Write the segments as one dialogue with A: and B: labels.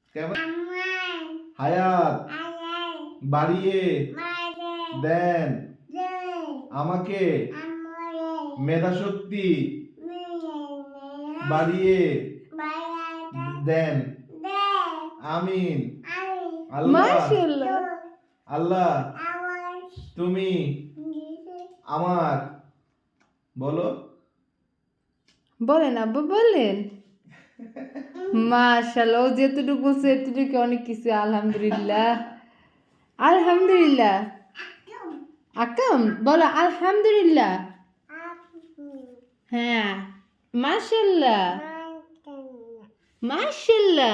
A: কেমন হায়াত বাড়িয়ে দেন আমাকে মেধাশক্তি বাড়িয়ে দেন আমিন।
B: মাশাআল্লাহ।
A: আল্লাহ তুমি আমার বলো
B: বলেন আব্বা বলেন। মাশাআল্লাহ, ও যেতটুকু বলছে এতটুকু অনেক কিছু। আলহামদুলিল্লাহ আলহামদুলিল্লাহ। আকাম বলো আলহামদুলিল্লাহ। হ্যাঁ মাশাআল্লাহ মাশাআল্লাহ।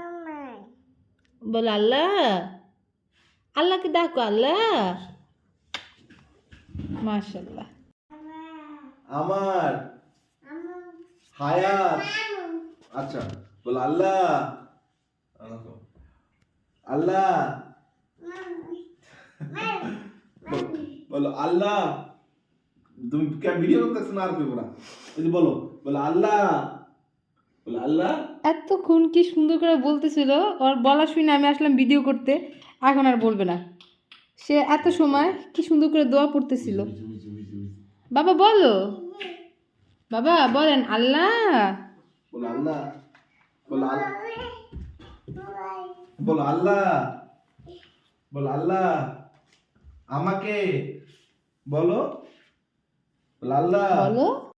B: বলো আল্লাহ, আল্লাহকে ডাকো আল্লাহ। মাশাআল্লাহ।
A: আমার হায়াত আচ্ছা বলো আল্লাহ আল্লাহ বলো আল্লাহ। তুমি ভিডিও করতেছ না আর কি বলা বলো বলো আল্লাহ বলো আল্লাহ।
B: এতক্ষণ কি সুন্দর করে বলতেছিল, ওর বলা শুনে আমি আসলাম ভিডিও করতে। এখন আর বলবে না। সে এত সময় কি সুন্দর করে দোয়া পড়তেছিল। বাবা বলো, বাবা বলেন আল্লাহ।
A: বলো আল্লাহ বলো আল্লাহ বলো আল্লাহ বলো আল্লাহ আমাকে বলো বলো আল্লাহ
B: বলো